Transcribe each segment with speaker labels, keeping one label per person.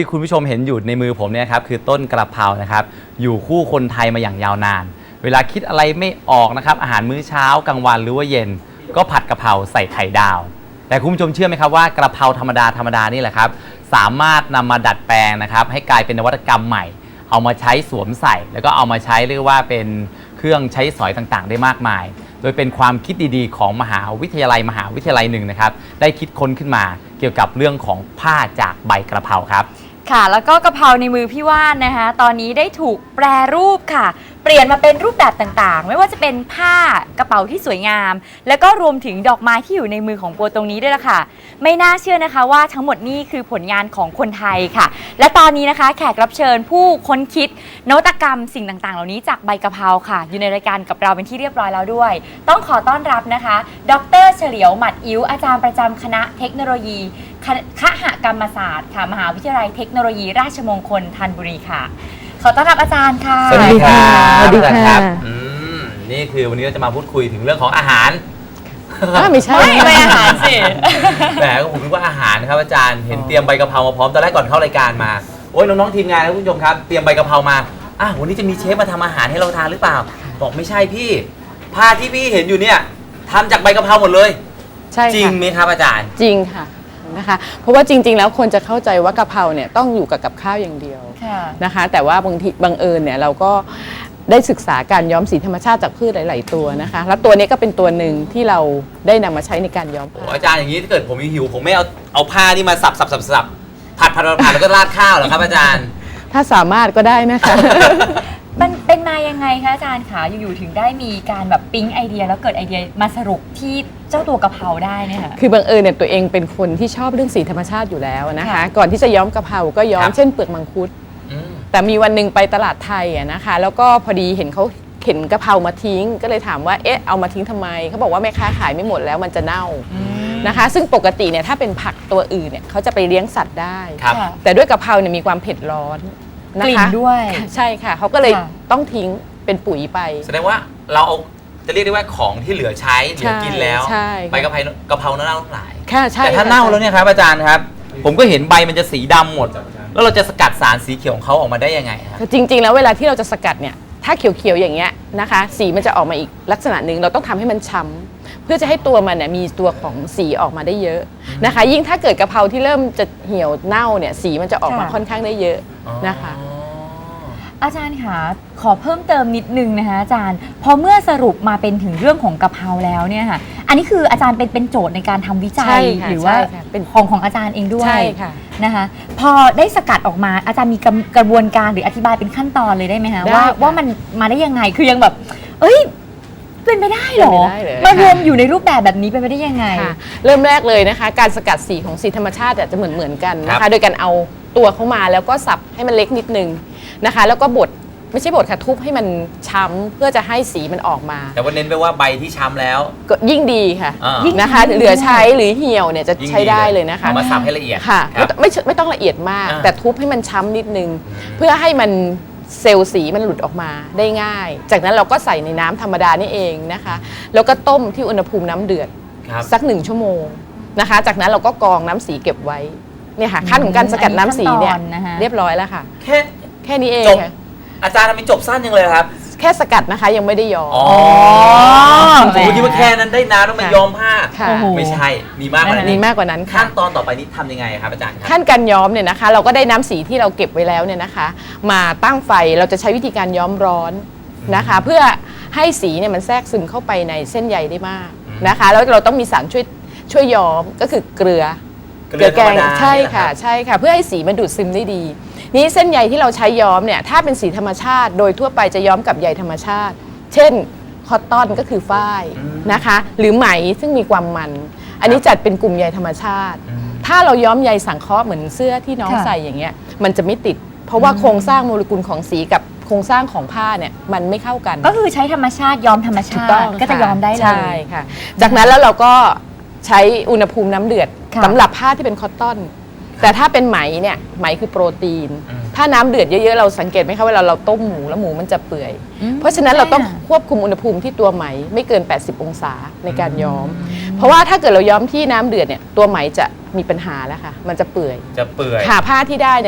Speaker 1: ที่คุณผู้ชมเห็นอยู่ในมือผมเนี่ยครับคือต้นกระเพรานะครับอยู่คู่คนไทยมาอย่างยาวนานเวลาคิดอะไรไม่ออกนะครับอาหารมื้อเช้ากลางวันหรือว่าเย็นก็ผัดกะเพราใส่ไข่ดาวแต่คุณผู้ชมเชื่อไหมครับว่ากระเพราธรรมดานี่แหละครับสามารถนำมาดัดแปลงนะครับให้กลายเป็นนวัตกรรมใหม่เอามาใช้สวมใส่แล้วก็เอามาใช้เรียกว่าเป็นเครื่องใช้สอยต่างๆได้มากมายโดยเป็นความคิดดีๆของมหาวิทยาลัยหนึ่งนะครับได้คิดค้นขึ้นมาเกี่ยวกับเรื่องของผ้าจากใบกระเพราครับ
Speaker 2: ค่ะแล้วก็กะเพราในมือพี่ว่านนะคะตอนนี้ได้ถูกแปรรูปค่ะเปลี่ยนมาเป็นรูปแบบต่างๆไม่ว่าจะเป็นผ้ากระเป๋าที่สวยงามแล้วก็รวมถึงดอกไม้ที่อยู่ในมือของโปรตรงนี้ด้วยล่ะค่ะไม่น่าเชื่อนะคะว่าทั้งหมดนี้คือผลงานของคนไทยค่ะและตอนนี้นะคะแขกรับเชิญผู้ค้นคิดนวัตกรรมสิ่งต่างๆเหล่านี้จากใบกะเพราค่ะอยู่ในรายการกับเราเป็นที่เรียบร้อยแล้วด้วยต้องขอต้อนรับนะคะดร.เฉลียวหมัดอิ๋วอาจารย์ประจำคณะเทคโนโลยีคหกรรมศาสตร์ค่ะมหาวิทยาลัยเทคโนโลยีราชมงคลธัญบุรีค่ะขอต้อนรับอาจารย์ค่ะ
Speaker 1: สวัสดีครับสวัสดีครับนี่คือวันนี้เราจะมาพูดคุยถึงเรื่องของอาหาร
Speaker 3: ไม่ใช่
Speaker 2: ไม่อาหารสิ
Speaker 1: แหมผมคิดว่าอาหารครับอาจารย์เห็นเตรียมใบกะเพรามาพร้อมตอนแรกก่อนเข้ารายการมาโอ้ยน้องๆทีมงานนะคุณผู้ชมครับเตรียมใบกะเพรามาวันนี้จะมีเชฟมาทำอาหารให้เราทานหรือเปล่าบอกไม่ใช่พี่ผ้าที่พี่เห็นอยู่เนี่ยทำจากใบกะเพราหมดเลย
Speaker 3: ใช่
Speaker 1: จริงไหมครับอาจารย์
Speaker 3: จริงค่ะนะคะเพราะว่าจริงๆแล้วคนจะเข้าใจว่ากะเพราเนี่ยต้องอยู่กับข้าวอย่างเดียวนะคะแต่ว่าบางทีบังเอิญเนี่ยเราก็ได้ศึกษาการย้อมสีธรรมชาติจากพืชหลายๆตัวนะคะแล้วตัวนี้ก็เป็นตัวหนึ่งที่เราได้นำมาใช้ในการย้อม
Speaker 1: อาจารย์อย่างนี้ถ้าเกิดผมหิวผมไม่เอาผ้านี่มาสับผัดแล้วก็ราดข้าวเหรอครับอาจารย์
Speaker 3: ถ้าสามารถก็ได้นะคะ
Speaker 2: มันเป็นมายังไงคะอาจารย์คะอยู่ๆถึงได้มีการแบบปิ๊งไอเดียแล้วเกิดไอเดียมาสรุปที่เจ้าตัวกะเพราได้เนี่ยค่ะ
Speaker 3: คือบังเอิญเนี่ยตัวเองเป็นคนที่ชอบเรื่องสีธรรมชาติอยู่แล้วนะคะก่อนที่จะย้อมกะเพราก็ย้อมเช่นเปลือกมังคุดแต่มีวันหนึ่งไปตลาดไทยนะคะแล้วก็พอดีเห็นเขาเข็นกะเพรามาทิ้งก็เลยถามว่าเอามาทิ้งทำไมเขาบอกว่าแม่ค้าขายไม่หมดแล้วมันจะเน่านะคะซึ่งปกติเนี่ยถ้าเป็นผักตัวอื่นเนี่ยเขาจะไปเลี้ยงสัตว์ได้แต่ด้วยกะเพราเนี่ยมีความเผ็ดร้อน
Speaker 2: กลิ่นด้วย
Speaker 3: ใช่ค่ะเขาก็เลยต้องทิ้งเป็นปุ๋ยไป
Speaker 1: แสดงว่าเราเอาจะเรียกได้ว่าของที่เหลือใช้เหลือกินแล้วใบกะเพราเน่าหลายแต่ถ้าเน่าแล้วเนี่ยครับอาจารย์ครับผมก็เห็นใบมันจะสีดำหมดแล้วเราจะสกัดสารสีเขียวของเขาออกมาได้ยังไงครับ
Speaker 3: จริงๆแล้วเวลาที่เราจะสกัดเนี่ยถ้าเขียวๆอย่างเงี้ยนะคะสีมันจะออกมาอีกลักษณะหนึ่งเราต้องทำให้มันช้ำเพื่อจะให้ตัวมันเนี่ยมีตัวของสีออกมาได้เยอะนะคะยิ่งถ้าเกิดกะเพราที่เริ่มจะเหี่ยวเน่าเนี่ยสีมันจะออกมาค่อนข้างได้เยอะนะคะ
Speaker 2: อาจารย์คะขอเพิ่มเติมนิดนึงนะคะอาจารย์พอเมื่อสรุปมาเป็นถึงเรื่องของกะเพราแล้วเนี่ยค่ะอันนี้คืออาจารย์เป็นโจทย์ในการทำวิจัยหรือว่าเป็นของอาจารย์เองด้วยนะคะพอได้สกัดออกมาอาจารย์มีกระบวนการหรืออธิบายเป็นขั้นตอนเลยได้ไหมคะว่ามันมาได้ยังไงคือยังแบบเป็นไปได้หรอมารวมอยู่ในรูปแบบนี้เป็นไปได้ยังไง
Speaker 3: เริ่มแรกเลยนะคะการสกัดสีของสีธรรมชาติจะเหมือนกันนะคะโดยการเอาตัวเข้ามาแล้วก็สับให้มันเล็กนิดนึงนะคะแล้วก็บดไม่ใช่บดค่ะทุบให้มันช้ำเพื่อจะให้สีมันออกมา
Speaker 1: แต่ว่าเน้นไปว่าใบที่ช้ำแล้ว
Speaker 3: ก็ยิ่งดีค่ะนะคะเหลือใช้หรือเหี่ยวเนี่ยจะใช้ได้เลยนะคะ
Speaker 1: เอามาสับให้ละเอียด
Speaker 3: ค่ะไม่ต้องละเอียดมากแต่ทุบให้มันช้ำนิดนึงเพื่อให้มันเซลล์สีมันหลุดออกมาได้ง่ายจากนั้นเราก็ใส่ในน้ำธรรมดานี่เองนะคะแล้วก็ต้มที่อุณหภูมิน้ำเดือดสัก1 ชั่วโมงนะคะจากนั้นเราก็กรองน้ำสีเก็บไว้เนี่ยค่ะขั้นของการสกัดน้ำสีเนี่ยเรียบร้อยแล้วค่ะแค่นี้เองค่ะ
Speaker 1: อาจารย์ทำไมจบสั้นยังเลยครับ
Speaker 3: แค่สกัดนะคะยังไม่ได้ย้อม
Speaker 1: ผมคิดว่าแค่นั้นได้น้ำแล้วมันย้อมผ้าไม่ใช่มีมากกว่า
Speaker 3: นั้น
Speaker 1: ขั้นตอนต่อไปนี้ทำยังไงครับอาจารย์
Speaker 3: ขั้นการย้อมเนี่ยนะคะเราก็ได้น้ำสีที่เราเก็บไว้แล้วเนี่ยนะคะมาตั้งไฟเราจะใช้วิธีการย้อมร้อนนะคะเพื่อให้สีเนี่ยมันแทรกซึมเข้าไปในเส้นใยได้มากนะคะแล้วเราต้องมีสารช่วยย้อมก็คือเกลือแกงใช่ค่ะเพื่อให้สีมันดูดซึมได้ดีนี้เส้นใยที่เราใช้ย้อมเนี่ยถ้าเป็นสีธรรมชาติโดยทั่วไปจะย้อมกับใยธรรมชาติเช่นคอตตอนก็คือฝ้ายนะคะหรือไหมซึ่งมีความมันอันนี้จัดเป็นกลุ่มใยธรรมชาติถ้าเราย้อมใยสังเคราะห์เหมือนเสื้อที่น้องใส่อย่างเงี้ยมันจะไม่ติดเพราะว่าโครงสร้างโมเลกุลของสีกับโครงสร้างของผ้าเนี่ยมันไม่เข้ากัน
Speaker 2: ก็คือใช้ธรรมชาติย้อมธรรมชาติก็จะย้อมได้เลย
Speaker 3: ใช่ค่ะจากนั้นแล้วเราก็ใช้อุณหภูมิน้ำเดือดสำหรับผ้าที่เป็นคอตตอนแต่ถ้าเป็นไหมเนี่ยไหมคือโปรตีนถ้าน้ำเดือดเยอะๆเราสังเกตไหมคะเวลาเราต้มหมูแล้วหมูมันจะเปื่อยเพราะฉะนั้นเราต้องควบคุมอุณหภูมิที่ตัวไหมไม่เกิน80 องศาในการย้อมเพราะว่าถ้าเกิดเราย้อมที่น้ำเดือดเนี่ยตัวไหมจะมีปัญหาแล้วค่ะมันจะเปื่อย
Speaker 1: ค่ะ
Speaker 3: ผ้าที่ได้เนี่ย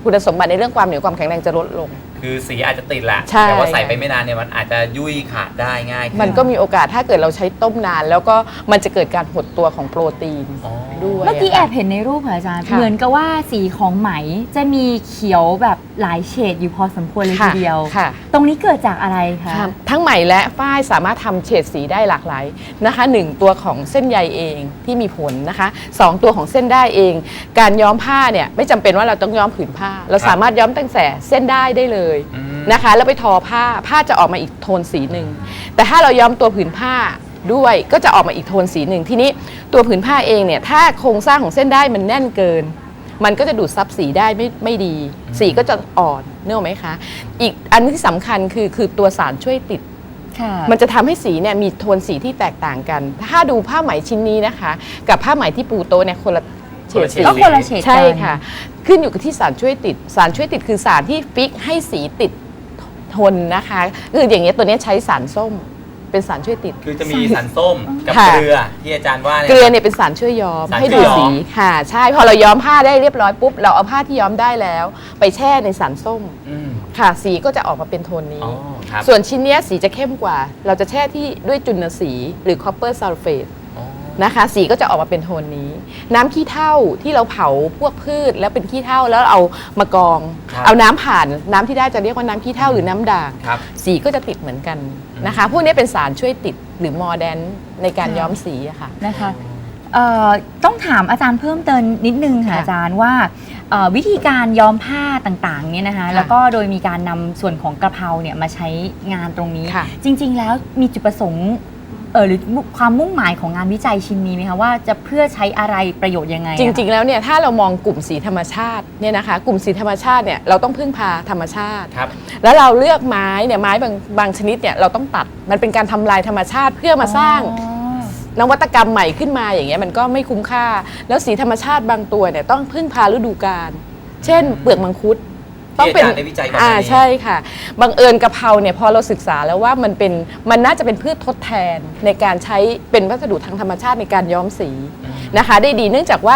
Speaker 3: คุณสมบัติในเรื่องความเหนียวความแข็งแรงจะลดลง
Speaker 1: คือสีอาจจะติดแหละ
Speaker 3: ใช่
Speaker 1: แต่ว่าใส่ไปไม่นานเนี่ยมันอาจจะยุ่ยขาดได้ง่ายขึ้
Speaker 3: มันก็มีโอกาสถ้าเกิดเราใช้ต้มนาน แล้วก็มันจะเกิดการหดตัวของโปรตีน
Speaker 1: อ๋อ
Speaker 3: ด้วย
Speaker 2: เมื่อกี้แอบเห็นในรูปค่ะอาจารย์
Speaker 3: ค่ะ
Speaker 2: เหมือนกับว่าสีของไหมจะมีเขียวแบบหลายเฉดอยู่พอสมควรเลยทีเดียว
Speaker 3: ค่ะ
Speaker 2: ตรงนี้เกิดจากอะไรคะ
Speaker 3: ค่ะทั้งไหมและฝ้ายสามารถทำเฉดสีได้หลากหลายนะคะ1ตัวของเส้นใยเองที่มีผลนะคะ2ตัวของเส้นได้เอง การย้อมผ้าเนี่ยไม่จำเป็นว่าเราต้องย้อมผืนผ้า เราสามารถย้อมตั้งแต่เส้นได้เลย
Speaker 1: อืม
Speaker 3: นะคะแล้วไปทอผ้าจะออกมาอีกโทนสีหนึ่งแต่ถ้าเราย้อมตัวผืนผ้าด้วยก็จะออกมาอีกโทนสีหนึ่งทีนี้ตัวผืนผ้าเองเนี่ยถ้าโครงสร้างของเส้นได้มันแน่นเกิน มันก็จะดูดซับสีได้ไม่ดี สีก็จะอ่อนนึกออกไหมคะอีกอันที่สำคัญคือตัวสารช่วยติด
Speaker 2: ค่ะ
Speaker 3: มันจะทำให้สีเนี่ยมีโทนสีที่แตกต่างกัน ถ้าดูผ้าไหมชิ้นนี้นะคะ กับผ้าไหมที่ปูโต๊ะเนี่ยคนละเฉดสี
Speaker 2: ก็คนละเฉดกัน
Speaker 3: ใช่ค่ะ ขึ้นอยู่กับที่สารช่วยติด สารช่วยติดคือสารที่ฟิกให้สีติดทนนะคะคืออย่างเงี้ยตัวเนี้ยใช้สารส้มเป็นสารช่วยติด
Speaker 1: คือจะมีสารส้มกับ
Speaker 3: ค่ะ
Speaker 1: เกลือที่อาจารย์ว่า
Speaker 3: เกลือเนี่ยเป็นสารช่วยย้อม
Speaker 1: สาร
Speaker 3: ให้
Speaker 1: ช่
Speaker 3: ดู
Speaker 1: วยย้อม
Speaker 3: สีค่ะใช่พอเราย้อมผ้าได้เรียบร้อยปุ๊บเราเอาผ้าที่ย้อมได้แล้ว ไปแช่ในสารส้ม
Speaker 1: อืม
Speaker 3: ค่ะสีก็จะออกมาเป็นโทนนี้
Speaker 1: อ๋อครับ
Speaker 3: ส่วนชิ้นเนี้ยสีจะเข้มกว่า เราจะแช่ที่ด้วยจุลสีหรือ copper sulfate
Speaker 1: อ๋อ
Speaker 3: นะคะสีก็จะออกมาเป็นโทนนี้ น้ำขี้เถ้าที่เราเผาพวกพืชแล้วเป็นขี้เถ้าแล้วเอามากรอง
Speaker 1: ครับ
Speaker 3: เอาน้ำผ่านน้ำที่ได้จะเรียกว่าน้ำขี้เถ้าหรือน้ำด่าง
Speaker 1: ครับ
Speaker 3: สีก็จะติดเหมือนกันนะคะ พวกนี้เป็นสารช่วยติดหรือมอร์แดนในการย้อมสีอะค่ะ
Speaker 2: นะคะต้องถามอาจารย์เพิ่มเติมนิดนึงค่ะ
Speaker 3: ค่ะ
Speaker 2: อาจารย์ว่าวิธีการย้อมผ้าต่างๆเนี่ยนะคะ
Speaker 3: ค่ะ
Speaker 2: แล้วก็โดยมีการนำส่วนของกระเพราเนี่ยมาใช้งานตรงนี้
Speaker 3: ค่ะ
Speaker 2: จริงๆแล้วมีจุดประสงค์หรือความมุ่งหมายของงานวิจัยชิ้นนี้ไหมคะว่าจะเพื่อใช้อะไรประโยชน์ยังไง
Speaker 3: จริงๆแล้วเนี่ยถ้าเรามองกลุ่มสีธรรมชาติเนี่ยนะคะกลุ่มสีธรรมชาติเนี่ยเราต้องพึ่งพาธรรมชาติ
Speaker 1: ครับ
Speaker 3: แล้วเราเลือกไม้เนี่ยไม้บางชนิดเนี่ยเราต้องตัดมันเป็นการทำลายธรรมชาติเพื่อมาสร้าง นวัตกรรมใหม่ขึ้นมาอย่างเงี้ยมันก็ไม่คุ้มค่า แล้วสีธรรมชาติบางตัวเนี่ยต้องพึ่งพาฤดูกาลเช่น เปลือกมังคุด
Speaker 1: ที่อาจารย์ได้วิจัยก่อนหน้านี้
Speaker 3: ใช่ค่ะบังเอิญกะเพราเนี่ยพอเราศึกษาแล้วว่ามันน่าจะเป็นพืชทดแทนในการใช้เป็นวัสดุทางธรรมชาติในการย้อมสีนะคะได้ดีเนื่องจากว่า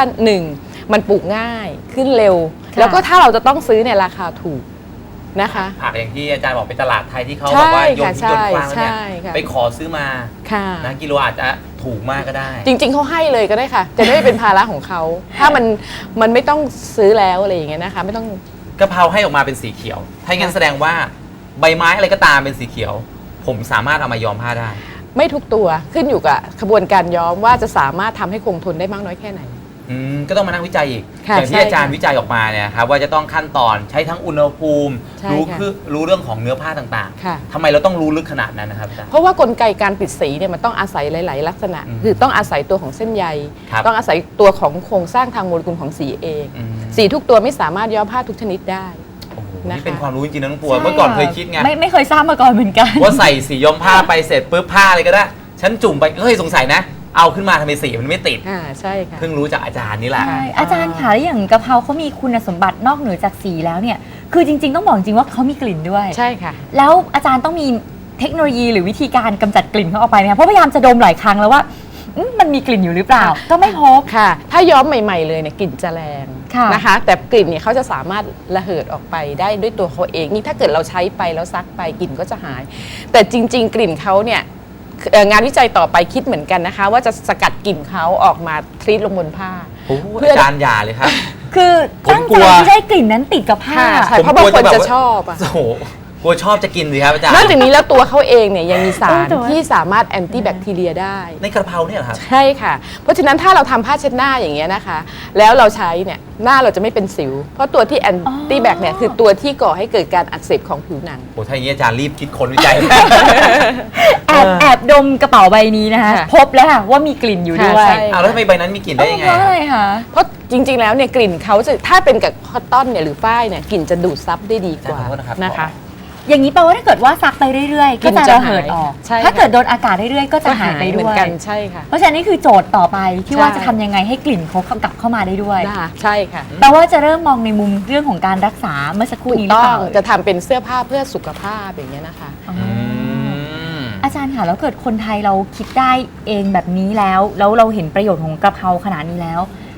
Speaker 3: 1มันปลูกง่ายขึ้นเร็ว
Speaker 2: ค่ะ
Speaker 3: แล้วก็ถ้าเราจะต้องซื้อเนี่ยราคาถูกนะคะ
Speaker 1: ผักอย่างที่อาจารย์บอกเป็นตลาดไทยที่เขา
Speaker 3: ใช่
Speaker 1: แบบว่าโยน
Speaker 3: ค่ะ
Speaker 1: ทิ้งโยนกว้างแล้วเนี่ย
Speaker 3: ใช่ค่ะ
Speaker 1: ไปขอซื้อมา
Speaker 3: ค่ะ
Speaker 1: นะกิโลอาจจะถูกมากก็ได้
Speaker 3: จริงๆเขาให้เลยก็ได้ค่ะ จะได้ไม่เป็นภาระของเขา ถ้ามันไม่ต้องซื้อแล้วอะไรอย่างเงี้ยนะคะไม่ต้อง
Speaker 1: กะเพราให้ออกมาเป็นสีเขียว ถ้าอย่างนั้นแสดงว่าใบไม้อะไรก็ตามเป็นสีเขียว ผมสามารถเอามาย้อมผ้าได้
Speaker 3: ไม่ทุกตัวขึ้นอยู่กับขบวนการย้อมว่าจะสามารถทำให้คงทนได้มากน้อยแค่ไหน
Speaker 1: ก็ต้องมานั่งวิจัยอีก
Speaker 3: ค่ะ
Speaker 1: อย่างที่
Speaker 3: ใช่
Speaker 1: อาจารย์
Speaker 3: ค่ะ
Speaker 1: วิจัยออกมาเนี่ยครับว่าจะต้องขั้นตอนใช้ทั้งอุณหภูมิ
Speaker 3: ใช่
Speaker 1: รู้
Speaker 3: ค่ะ
Speaker 1: คือรู้เรื่องของเนื้อผ้าต่าง
Speaker 3: ค่ะ
Speaker 1: ๆทำไมเราต้องรู้ลึกขนาดนั้นนะครับอาจารย์
Speaker 3: เพราะว่ากลไกการติดสีเนี่ยมันต้องอาศัยหลาย ๆ ลักษณะ
Speaker 1: อืม
Speaker 3: คือต้องอาศัยตัวของเส้นใย
Speaker 1: ครับ
Speaker 3: ต้องอาศัยตัวของโครงสร้างทางโมเลกุลของสีเอง
Speaker 1: อืม
Speaker 3: สีทุกตัวไม่สามารถย้อมผ้าทุกชนิดได้
Speaker 1: โอ้โห
Speaker 3: นะคะ
Speaker 1: นี่เป็นความรู้จริงๆนะน้องปัวเมื่อก่อนเคยคิดไง
Speaker 2: ไม่เคยทราบมาก่อนเหมือนกัน
Speaker 1: ว่าใส่สีย้อมผ้าไปเสร็จปุ๊บผ้าอะไรก็ได้ ฉันจุ่มไปเฮ้ยสงสัยนะ เอาขึ้นมาทำไมสีมันไม่ติด
Speaker 3: ใช่ค่ะ
Speaker 1: เพิ่งรู้จากอาจารย์นี่แหละ
Speaker 2: ใช่อาจารย์ค่ะแล้วอย่างกะเพราเขามีคุณสมบัตินอกเหนือจากสีแล้วเนี่ยคือจริงๆต้องบอกจริงว่าเขามีกลิ่นด้วย
Speaker 3: ใช่ค่ะ
Speaker 2: แล้วอาจารย์ต้องมีเทคโนโลยีหรือวิธีการกำจัดกลิ่นเขาออกไปไหมคะเพราะพยายามจะดมหลายครั้งแล้วว่ามันมีกลิ่นอยู่หรือเปล่า ก็ไม่พบ
Speaker 3: ค่ะ ถ้าย้อมใหม่ ๆ เลยเนี่ยกลิ่นจะแรง
Speaker 2: ค่ะ
Speaker 3: นะคะ แต่กลิ่นเนี่ยเขาจะสามารถระเหิดออกไปได้ด้วยตัวเขาเอง นี่ถ้าเกิดเราใช้ไปแล้วซักไปกลิ่นก็จะหาย แต่จริง ๆ กลิ่นเขาเนี่ยงานวิจัยต่อไปคิดเหมือนกันนะคะ ว่าจะสกัดกลิ่นเขาออกมาทรีตลงบนผ้า
Speaker 1: โอ้โห
Speaker 3: เพื่อ
Speaker 1: อาจารย์อย่าเลยครับ
Speaker 2: คือตั้ง
Speaker 1: ผมกลั
Speaker 2: ใจ
Speaker 1: ว
Speaker 2: ที่ได้กลิ่นนั้นติดกับผ้า
Speaker 3: ค่ะใช่เพราะบางคนจะชอบอะ
Speaker 1: โอ้โหกลัวชอบจะกินสิครับอาจารย์
Speaker 3: นอกจากนี้แล้วตัวเขาเองเนี่ยยังมีสาร
Speaker 2: ตัว
Speaker 3: ที่สามารถแอนตี้แบคทีเรียได้
Speaker 1: ในกระเพราเนี่ยเหรอครับ
Speaker 3: ใช่ค่ะ เพราะฉะนั้นถ้าเราทำผ้าเช็ดหน้าอย่างเงี้ยนะคะ แล้วเราใช้เนี่ยหน้าเราจะไม่เป็นสิว เพราะตัวที่แอนตี้แบคเนี่ยคือตัวที่ก่อให้เกิดการอักเสบของผิวหนัง
Speaker 1: โอ้ถ้าอย่างนี้อาจารย์รีบคิดค้นวิจัย
Speaker 2: แอบดมกระเป๋าใบนี้นะคะ
Speaker 3: ค่ะ
Speaker 2: พบแล้วค่ะว่ามีกลิ่นอยู่ด้วย
Speaker 3: ค่ะใช่
Speaker 1: อ้าวแล้วทำไมใบนั้นมีกลิ่นได้ยังไง
Speaker 2: เพราะ
Speaker 1: ค
Speaker 2: อะ
Speaker 1: รับ
Speaker 2: ไรคะ
Speaker 3: เพราะจริง ๆ แล้วเนี่ยกลิ่นเขาจะถ้าเป็นกับคอตตอนเนี่ยหรือฝ้ายเนี่ยกลิ่นจะดูดซับได้ดีกว่า
Speaker 1: ขอโทษนะครับ
Speaker 3: นะคะ
Speaker 2: อย่างนี้แปลว่าถ้าเกิดว่าซักไปเรื่อยๆ ก็จะ
Speaker 3: กลิ่นจะ
Speaker 2: ระเหิดออก
Speaker 3: หายใช่ค่ะ
Speaker 2: ถ้าเกิดโดนอากาศเรื่อยๆ ก็จะหายไป
Speaker 3: เห
Speaker 2: ด้
Speaker 3: มื
Speaker 2: ว
Speaker 3: อน
Speaker 2: ย
Speaker 3: กันใช่ค่ะ
Speaker 2: เพราะฉะนั้นนี่คือโจทย์ต่อไปที่
Speaker 3: ใช่
Speaker 2: ว่าจะทำยังไงให้กลิ่นเขากลับเข้ามาได้ด้วย
Speaker 3: นะคะใช่ค่ะ
Speaker 2: แปลว่าจะเริ่มมองในมุมเรื่องของการรักษาเมื่อสักครู่
Speaker 3: ถูก
Speaker 2: นี้หรือ
Speaker 3: ต้อ
Speaker 2: เป
Speaker 3: ง
Speaker 2: ล่า
Speaker 3: จะทำเป็นเสื้อผ้าเพื่อสุขภาพอย่างเงี้ยนะคะ
Speaker 2: อ๋อ
Speaker 1: อืม
Speaker 2: อาจารย์ค่ะแล้วเกิดคนไทยเราคิดได้เองแบบนี้แล้วเราเห็นประโยชน์ของกระเพราขนาดนี้แล้ว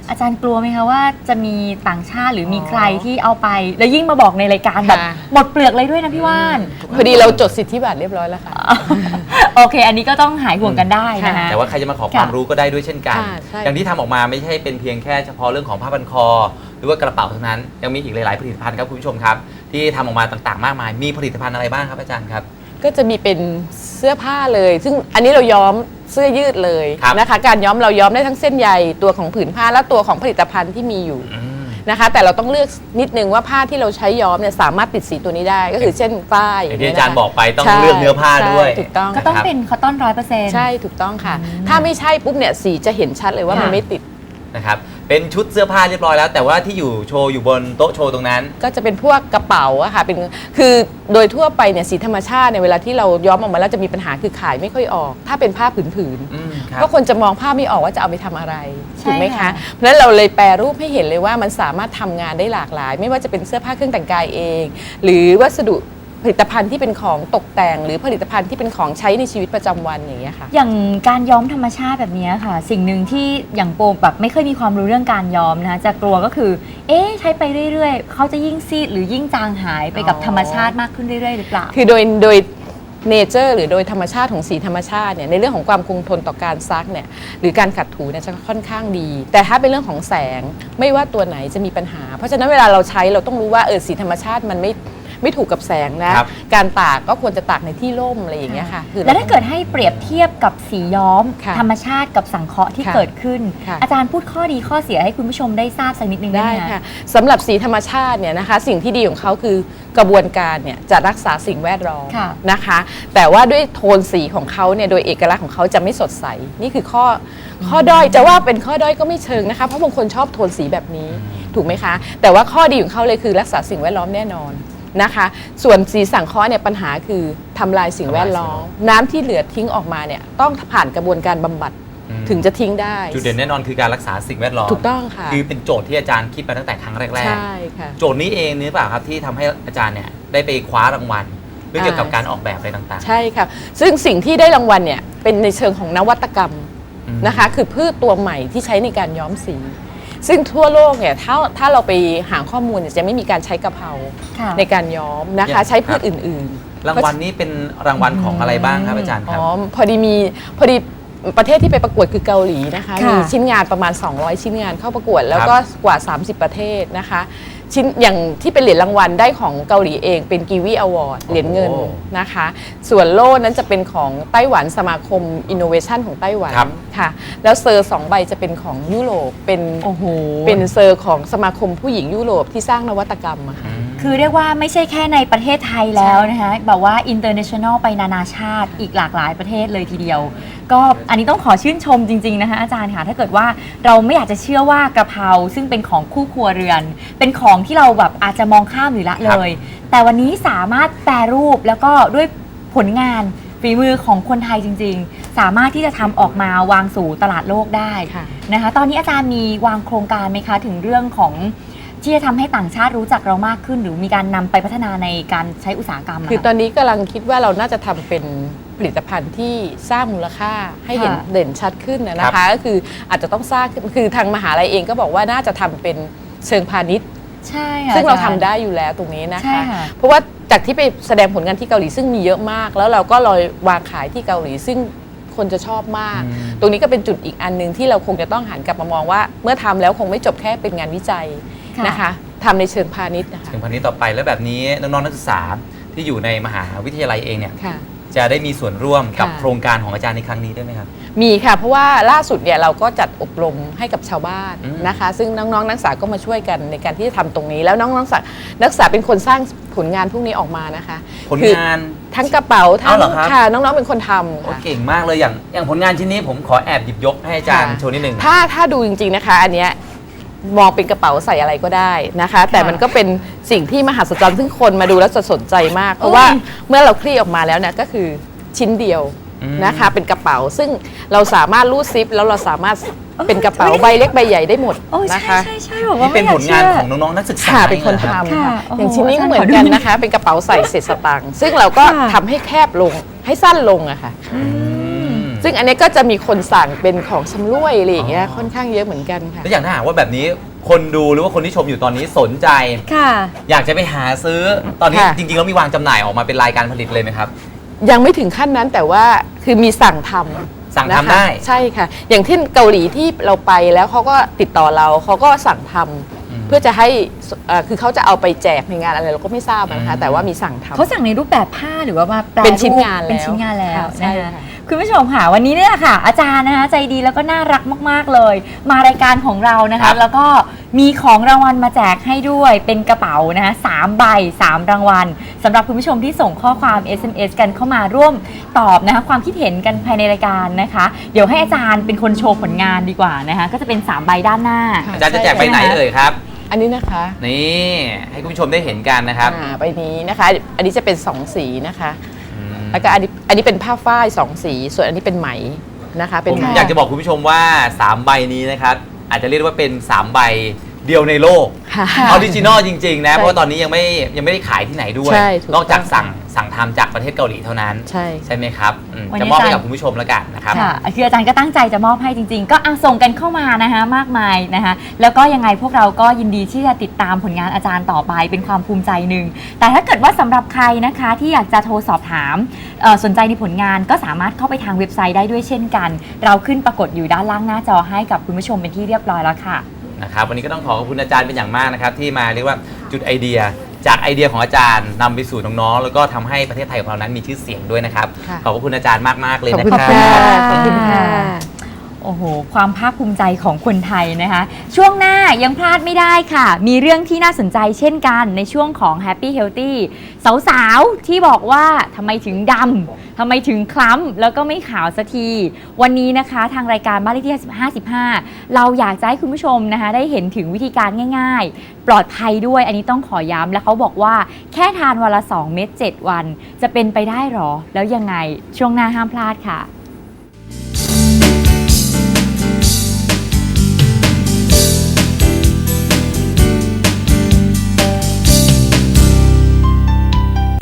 Speaker 2: อาจารย์กลัวไหมคะว่าจะมีต่างชาติหรือมีใครที่เอาไป แล้วยิ่งมาบอกในรายการแบบ
Speaker 3: ค่ะ
Speaker 2: หมดเปลือกเลยด้วยนะพี่ว่าน
Speaker 3: พอดีเราจดสิทธิบัตรเรียบร้อยแล้วค่ะ
Speaker 2: โอเค อันนี้ก็ต้องหายห่วงกันได้นะคะ
Speaker 1: แต่ว่าใครจะมาขอความรู้ก็ได้ด้วยเช่นกัน
Speaker 3: ค่ะใช่
Speaker 1: อย่างที่ทำออกมาไม่ใช่เป็นเพียงแค่เฉพาะเรื่องของผ้าพันคอ หรือว่ากระเป๋าเท่านั้นยังมีอีกหลายๆผลิตภัณฑ์ครับคุณผู้ชมครับที่ทำออกมาต่างๆมากมายมีผลิตภัณฑ์อะไรบ้างครับอาจารย์ครับ
Speaker 3: ก็จะมีเป็นเสื้อผ้าเลย ซึ่งอันนี้เราย้อมเสื้อยืดเลย
Speaker 1: ครับ
Speaker 3: นะคะ การย้อมเราย้อมได้ทั้งเส้นใยตัวของผืนผ้าและตัวของผลิตภัณฑ์ที่มีอยู่นะคะ แต่เราต้องเลือกนิดนึงว่าผ้าที่เราใช้ย้อมเนี่ยสามารถติดสีตัวนี้ได้ ก็คือเช่นฝ้าย
Speaker 1: อย่างที่อาจารย์
Speaker 3: นะคะ
Speaker 1: บอกไปต้อง
Speaker 3: ใช่
Speaker 1: เลือกเนื้อผ้าด้วย
Speaker 3: ใช่ถูกต้อง
Speaker 2: ก็ต้องเป็นคอตตอน 100%
Speaker 3: ใช่ถูกต้องค่ะ ถ้าไม่ใช่ปุ๊บเนี่ยสีจะเห็นชัดเลยว่ามัน
Speaker 2: ค่ะ
Speaker 3: ไม่ติด
Speaker 1: นะครับเป็นชุดเสื้อผ้าเรียบร้อยแล้ว แต่ว่าที่อยู่โชว์อยู่บนโต๊ะโชว์ตรงนั้น
Speaker 3: ก็จะเป็นพวกกระเป๋าอะค่ะเป็นคือโดยทั่วไปเนี่ยสีธรรมชาติเนี่ยเวลาที่เราย้อมออกมาแล้วจะมีปัญหาคือขายไม่ค่อยออก ถ้าเป็นผ้าผืน
Speaker 1: ครับ
Speaker 3: เพราะคนจะมองภาพไม่ออกว่าจะเอาไปทำอะไร
Speaker 2: ใช่
Speaker 3: ถูกไหม
Speaker 2: ค่ะ
Speaker 3: คะเพราะฉะนั้นเราเลยแปรรูปให้เห็นเลยว่ามันสามารถทำงานได้หลากหลาย ไม่ว่าจะเป็นเสื้อผ้าเครื่องแต่งกายเอง หรือวัสดุผลิตภัณฑ์ที่เป็นของตกแต่ง หรือผลิตภัณฑ์ที่เป็นของใช้ในชีวิตประจำวันอย่างเงี้ยค่ะ
Speaker 2: อย่างการย้อมธรรมชาติแบบนี้ค่ะ สิ่งหนึ่งที่อย่างโปแบบไม่เคยมีความรู้เรื่องการย้อมนะคะจะกลัวก็คือ ใช้ไปเรื่อยๆเขาจะยิ่งซีดหรือยิ่งจางหายไปกับธรรมชาติมากขึ้นเรื่อยๆหรือเปล่า
Speaker 3: คือโดยเนเจอร์หรือโดยธรรมชาติของสีธรรมชาติเนี่ยในเรื่องของความคงทนต่อการซักเนี่ยหรือการขัดถูเนี่ยจะค่อนข้างดี แต่ถ้าเป็นเรื่องของแสงไม่ว่าตัวไหนจะมีปัญหา เพราะฉะนั้นเวลาเราใช้เราต้องรู้ว่าสีธรรมชาติมันไม่ถูกกับแสงนะครับ การตากก็ควรจะตากในที่ร่มอะไรอย่างเงี้ยค่ะคือ
Speaker 2: แล้วถ้าเกิดให้เปรียบเทียบกับสีย้อม
Speaker 3: ค่ะ
Speaker 2: ธรรมชาติกับสังเคราะห์ที่
Speaker 3: ค่ะ
Speaker 2: เกิดขึ้น
Speaker 3: ค่ะ
Speaker 2: อาจารย์พูดข้อดีข้อเสียให้คุณผู้ชมได้ทราบสักนิดนึงได้
Speaker 3: ได้
Speaker 2: ไหม
Speaker 3: ค่ะสำหรับสีธรรมชาติเนี่ยนะคะสิ่งที่ดีของเขาคือกระบวนการเนี่ยจะรักษาสิ่งแวดล้อม
Speaker 2: ค่ะ
Speaker 3: นะคะ แต่ว่าด้วยโทนสีของเขาเนี่ยโดยเอกลักษณ์ของเขาจะไม่สดใสนี่คือข้อด้อยจะว่าเป็นข้อด้อยก็ไม่เชิงนะคะเพราะบางคนชอบโทนสีแบบนี้ถูกไหมคะ แต่ว่าข้อดีของเขาเลยคือรักษาสิ่งแวดล้อมแน่นอนนะคะ ส่วนสีสังเคราะห์เนี่ยปัญหาคือทำลายสิ่งแวดล้อมน้ำที่เหลือทิ้งออกมาเนี่ยต้องผ่านกระบวนการบำบัดถึงจะทิ้งได้
Speaker 1: จุดเด่นแน่นอนคือการรักษาสิ่งแวดล้อม
Speaker 3: ถูกต้องค่ะ
Speaker 1: คือเป็นโจทย์ที่อาจารย์คิดมาตั้งแต่ครั้งแรก
Speaker 3: ใช่ค่ะ
Speaker 1: ๆโจทย์นี้เองนี่หรือเปล่าครับที่ทำให้อาจารย์เนี่ยได้ไปคว้ารางวัลเรื่องเกี่ยวกับการออกแบบอะไรต่างๆ
Speaker 3: ใช่ค่ะซึ่งสิ่งที่ได้รางวัลเนี่ยเป็นในเชิงของนวัตกรรมนะคะคือพืชตัวใหม่ที่ใช้ในการย้อมสี ซึ่งทั่วโลกเนี่ยถ้าเราไปหาข้อมูลเนี่ยจะไม่มีการใช้กะเพรา
Speaker 2: ค่ะ
Speaker 3: ในการย้อมนะคะใช้พืชอื่นๆ
Speaker 1: รางวัลนี้เป็นรางวัลของอะไรบ้างครับอาจารย์ครับ
Speaker 3: พอดีประเทศที่ไปประกวดคือเกาหลีนะคะ
Speaker 2: ค่ะ
Speaker 3: มีชิ้นงานประมาณ 200 ชิ้นงานเข้าประกวดแล้วก็กว่า 30 ประเทศนะคะชิ้นอย่างที่เป็นเหรียญรางวัลได้ของเกาหลีเองเป็นกีวีอวอร์ดเหรียญเงินนะคะส่วนโล่นั้นจะเป็นของไต้หวันสมาคมอินโนเวชันของไต้หวันค่ะแล้วเซอร์2 ใบจะเป็นของยุโรปเป็น
Speaker 2: โอ้โห
Speaker 3: เป็นเซอร์ของสมาคมผู้หญิงยุโรปที่สร้างนวัตกรรมอะค่ะ
Speaker 2: คือเรียกว่าไม่ใช่แค่ในประเทศไทยแล้วนะคะแบบว่า international ไปนานาชาติอีกหลากหลายประเทศเลยทีเดียว ก็อันนี้ต้องขอชื่นชมจริงๆนะคะอาจารย์ค่ะถ้าเกิดว่าเราไม่อยากจะเชื่อว่ากระเพราซึ่งเป็นของคู่ครัวเรือน เป็นของที่เราแบบอาจจะมองข้ามหรือละเลย แต่วันนี้สามารถแปรรูปแล้วก็ด้วยผลงานฝีมือของคนไทยจริงๆ สามารถที่จะทำออกมาวางสู่ตลาดโลกได้
Speaker 3: ค่ะ
Speaker 2: นะคะตอนนี้อาจารย์มีวางโครงการไหมคะถึงเรื่องของที่จะทำให้ต่างชาติรู้จักเรามากขึ้น หรือมีการนำไปพัฒนาในการใช้อุตสาหกรรมะ
Speaker 3: คือตอนนี้กำลังคิดว่าเราน่าจะทำเป็นผลิตภัณฑ์ที่สร้างมูลค่าให้เห็น
Speaker 2: ค่ะ
Speaker 3: เด่นชัดขึ้นนะคะก็คืออาจจะต้องสร้างขึ้นคือทางมหาลัยเองก็บอกว่าน่าจะทำเป็นเชิงพาณิชย์
Speaker 2: ใช่ค่ะ
Speaker 3: ซึ่งเรา
Speaker 2: อจ
Speaker 3: ทำ
Speaker 2: ย์
Speaker 3: ได้อยู่แล้วตรงนี้นะ
Speaker 2: ใช่
Speaker 3: คะ
Speaker 2: ค่ะ
Speaker 3: เพราะว่าจากที่ไปแสดงผลงานที่เกาหลีซึ่งมีเยอะมาก แล้วเราก็ลอยวางขายที่เกาหลีซึ่งคนจะชอบมาก ตรงนี้ก็เป็นจุดอีกอันหนึ่งที่เราคงจะต้องหันกลับมามองว่า เมื่อทำแล้วคงไม่จบแค่เป็นงานวิจัย
Speaker 2: ค่ะ
Speaker 3: นะคะทำในเชิงพาณิชย์นะคะ
Speaker 1: ถึงพันนี้ต่อไปแล้วแบบนี้น้องๆนักศึกษาที่อยู่ในมหาวิทยาลัยเองเนี่ย
Speaker 3: ค่ะ
Speaker 1: จะได้มีส่วนร่วมกับ
Speaker 3: ค่ะ
Speaker 1: โครงการของอาจารย์ในครั้งนี้ด้วยไหมครับ
Speaker 3: มีค่ะเพราะว่าล่าสุดเนี่ยเราก็จัดอบรมให้กับชาวบ้าน
Speaker 1: อืม
Speaker 3: นะคะ ซึ่งน้องๆนักศึกษาก็มาช่วยกันในการที่จะทำตรงนี้ แล้วน้องๆนักศึกษาเป็นคนสร้างผลงานพวกนี้ออกมานะคะ
Speaker 1: ผล
Speaker 3: คือง
Speaker 1: าน
Speaker 3: ทั้งกระเป๋าทั้ง
Speaker 1: เอาเหรอครับ
Speaker 3: ค่ะน้องๆเป็นคนทำ
Speaker 1: โอ้
Speaker 3: ค่ะ
Speaker 1: เก่งมากเลยอย่างผลงานชิ้นนี้ผมขอแอบหยิบยกให้อาจารย์
Speaker 3: ค่ะ
Speaker 1: โชว์นิดหนึ่ง
Speaker 3: ถ้าดูจริงๆนะคะ อันเนี้ยมองเป็นกระเป๋าใส่อะไรก็ได้นะคะ แต่มันก็เป็นสิ่งที่มหัศจรรย์ซึ่งคนมาดูแล้วจะสนใจมาก เพราะว่าเมื่อเราคลี่ออกมาแล้วเนี่ยก็คือชิ้นเดียวนะคะ เป็นกระเป๋าซึ่งเราสามารถรูดซิปแล้วเราสามารถเป็นกระเป๋าใบเล็กใบใหญ่ได้หมด
Speaker 2: โอ้
Speaker 3: นะ
Speaker 2: ใช่
Speaker 3: คะ
Speaker 2: ใช่ใช่บอกว่า
Speaker 1: นี่เป็น
Speaker 2: ไม่
Speaker 1: ผ
Speaker 2: อย
Speaker 1: ล
Speaker 2: ก
Speaker 1: งาน
Speaker 2: ชื่อ
Speaker 1: ของน้องๆนักศึกษา
Speaker 3: ค่ะเป็นคน
Speaker 1: องหรอรับ
Speaker 3: ทำค่ะ
Speaker 2: ค่ะโอ้โห
Speaker 3: อย่างชิ้นนี้ก็เหมือน
Speaker 2: อาจารย์ขอดู
Speaker 3: กันนะคะ เป็นกระเป๋าใส่เศษสตางค์ซึ่งเราก็
Speaker 2: ค่ะ
Speaker 3: ทำให้แคบลงให้สั้นลงอะค่ะ
Speaker 1: อืม
Speaker 3: ซึ่งอันนี้ก็จะมีคนสั่งเป็นของชำร่วยอะไรอย่างเงี้ยค่อนข้างเยอะเหมือนกันค่ะ
Speaker 1: แล้วอย่างถ้าหากว่าแบบนี้คนดูหรือว่าคนที่ชมอยู่ตอนนี้สนใจ
Speaker 2: ค่ะ
Speaker 1: อยากจะไปหาซื้อตอนนี้
Speaker 3: ค่ะ
Speaker 1: จริงๆแล้วมีวางจำหน่ายออกมาเป็นรายการผลิตเลยไหมครับ
Speaker 3: ยังไม่ถึงขั้นนั้นแต่ว่าคือมีสั่งทำ
Speaker 1: สั่งทำ
Speaker 3: นะคะ
Speaker 1: ได้
Speaker 3: ใช่ค่ะ อย่างที่เกาหลีที่เราไปแล้วเขาก็ติดต่อเราเขาก็สั่งทำเพื่อจะให้คือเขาจะเอาไปแจกในงานอะไรเราก็ไม่ทราบนะคะแต่ว่ามีสั่งทำ
Speaker 2: เขาสั่งในรูปแบบผ้าหรือว่ามาแปล
Speaker 3: เป็นชิ้นงาน
Speaker 2: เป็น
Speaker 3: แล้ว
Speaker 2: ชิ้นงานแล้ว
Speaker 3: ค่ะใช่
Speaker 2: นะคะ
Speaker 3: ค่ะ
Speaker 2: คุณผู้ชมค่ะวันนี้เนี่ยค่ะ อาจารย์นะคะใจดีแล้วก็น่ารักมากๆเลย มารายการของเรานะ
Speaker 1: ครั
Speaker 2: คะ
Speaker 1: บ
Speaker 2: แล้วก็มีของรางวัลมาแจกให้ด้วยเป็นกระเป๋านะคะ3ใบ3รางวัลสำหรับคุณผู้ชมที่ส่งข้อความ SMS กันเข้ามาร่วมตอบนะคะความคิดเห็นกันภายในรายการนะคะ เดี๋ยวให้อาจารย์เป็นคนโชว์ผลงานดีกว่านะคะก็จะเป็น3ใบด้านหน้า
Speaker 1: อาจารย์จะแจกไปไหนเอ่ยครับ
Speaker 3: อันนี้นะคะ
Speaker 1: นี่ให้คุณผู้ชมได้เห็นกันนะครับ
Speaker 3: ใบนี้นะคะ อันนี้จะเป็น2สีนะคะ
Speaker 1: อืม
Speaker 3: แล้วก็อันนี้เป็นผ้าฝ้าย2สีส่วนอันนี้เป็นไหมนะคะเป็
Speaker 1: ผ
Speaker 3: น
Speaker 1: ม
Speaker 3: ไหม
Speaker 1: อยากจะบอกคุณผู้ชมว่า 3 ใบนี้นะครับอาจจะเรียกได้ว่าเป็น 3 ใบเดียวในโลก
Speaker 3: ค่ะ
Speaker 1: ออริจินอลจริงๆนะ
Speaker 3: ใช่
Speaker 1: เพราะว่าตอนนี้ยังไม่ได้ขายที่ไหนด้วย
Speaker 3: ใช่ถูก
Speaker 1: นอกจาก
Speaker 3: ต้อง
Speaker 1: สั่งทำจากประเทศเกาหลีเท่านั้น
Speaker 3: ใช่
Speaker 1: ไหมครับ
Speaker 2: วันนี้
Speaker 1: จะมอบให้
Speaker 2: อาจารย์
Speaker 1: กับคุณผู้ชมแล้วกันนะครับ
Speaker 2: ค่ะคืออาจารย์ก็ตั้งใจจะมอบให้จริงๆ ก็ส่งกันเข้ามานะคะมากมายนะคะแล้วก็ยังไงพวกเราก็ยินดีที่จะติดตามผลงานอาจารย์ต่อไปเป็นความภูมิใจหนึ่งแต่ถ้าเกิดว่าสำหรับใครนะคะที่อยากจะโทรสอบถามสนใจในผลงานก็สามารถเข้าไปทางเว็บไซต์ได้ด้วยเช่นกัน เราขึ้นปรากฏอยู่ด้านล่างหน้าจอให้กับคุณผู้ชมเป็นที่เรียบร้อยแล้วค่ะ
Speaker 1: นะครับวันนี้ก็ต้องขอขอบคุณอาจารย์เป็นอย่างมากนะครับที่มาเรียกว่าจุดไอเดียจากไอเดียของอาจารย์นำไปสู่น้องๆแล้วก็ทำให้ประเทศไทยของเรานั้นมีชื่อเสียงด้วยนะครับ
Speaker 3: ค่ะ
Speaker 1: ขอบคุณอาจารย์มากๆเลย
Speaker 3: ขอบ
Speaker 1: นะ
Speaker 3: คุณ
Speaker 1: ครั
Speaker 3: ค่ะ
Speaker 1: บ
Speaker 3: ขอบคุณค่ะ
Speaker 2: โอ้โห ความภาคภูมิใจของคนไทยนะคะ ช่วงหน้ายังพลาดไม่ได้ค่ะ มีเรื่องที่น่าสนใจเช่นกันในช่วงของ Happy Healthy สาวๆ ที่บอกว่าทำไมถึงดำทำไมถึงคล้ำแล้วก็ไม่ขาวสักที วันนี้นะคะทางรายการบ้านเลขที่55เราอยากจะให้คุณผู้ชมนะคะได้เห็นถึงวิธีการง่ายๆ ปลอดภัยด้วยอันนี้ต้องขอย้ำและเขาบอกว่าแค่ทานวันละ2 เม็ด7 วัน จะเป็นไปได้หรอ แล้วยังไงช่วงหน้าห้ามพลาดค่ะ